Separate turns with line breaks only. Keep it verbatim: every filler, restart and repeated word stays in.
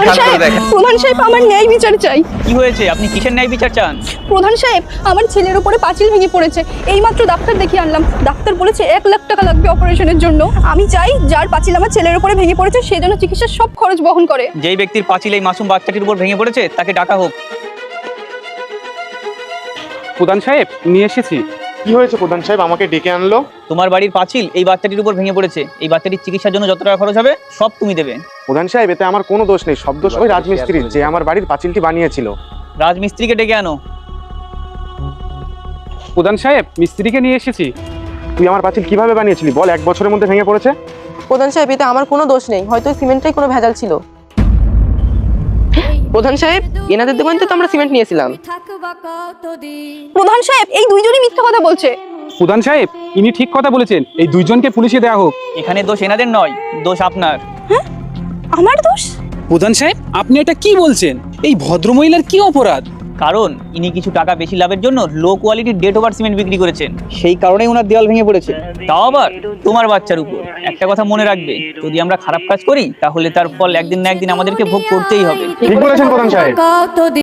সাহেব,
দেখেন
প্রধান সাহেব আমার ন্যায় বিচার চাই।
কি হয়েছে? আপনি কিসের ন্যায় বিচার চান?
প্রধান সাহেব, আমার ছেলের উপরে পাঁচিল ভেঙে পড়েছে। এইমাত্র ডাক্তার দেখিয়ে আনলাম, ডাক্তার বলেছে এক লাখ টাকা লাগবে অপারেশনের জন্য। আমি চাই যার পাঁচিল আমার ছেলের উপরে ভেঙে পড়েছে সে যেন চিকিৎসার সব খরচ বহন করে।
যেই ব্যক্তির পাঁচিল এই মাসুম বাচ্চাটির উপর ভেঙে পড়েছে তাকে ডাকা হোক।
প্রধান সাহেব, নিয়ে এসেছি।
কি হয়েছে প্রধান সাহেব, আমাকে ডেকে আনলো?
তোমার বাড়ির পাঁচিল এই বাচ্চাটির উপর ভেঙে পড়েছে। এই বাচ্চাটির চিকিৎসার জন্য যত টাকা খরচ হবে সব তুমি দেবে।
প্রধান সাহেব, এতে আমার কোনো দোষ নেই, সব দোষ ওই রাজমিস্ত্রির, যে আমার বাড়ির পাঁচিলটি বানিয়েছিল।
রাজমিস্ত্রিকে ডেকে আনো।
প্রধান সাহেব, মিস্ত্রিকে নিয়ে এসেছি।
তুই আমার পাঁচিল কিভাবে বানিয়েছিলি বল, এক বছরের মধ্যে ভেঙে পড়েছে।
প্রধান সাহেব, এতে আমার কোনো দোষ নেই, হয়তো সিমেন্টটাই কোনো ভেজাল ছিল। প্রধান সাহেব, এনাদের দোকান থেকে তো আমরা সিমেন্ট নিয়েছিলাম।
প্রধান সাহেব, এই দুইজনই মিথ্যা কথা বলছে।
প্রধান সাহেব, ইনি ঠিক কথা বলেছেন, এই দুইজনকে পুলিশে দেওয়া হোক।
এখানে দোষ এনাদের নয়, দোষ আপনার।
আমার দোষ?
প্রধান সাহেব, আপনি এটা কি বলছেন? এই ভদ্রমহিলার কি অপরাধ?
কারণ ইনি কিছু টাকা বেশি লাভের জন্য লো কোয়ালিটির ডেট ওভার সিমেন্ট বিক্রি করেছেন, সেই কারণেই ওনার দেওয়াল ভেঙে পড়েছে। তাও আবার তোমার বাচ্চার উপর। একটা কথা মনে রাখবে, যদি আমরা খারাপ কাজ করি তাহলে তার ফল একদিন না একদিন আমাদেরকে ভোগ করতেই হবে।
ঠিক বলেছেন প্রধান সাহেব।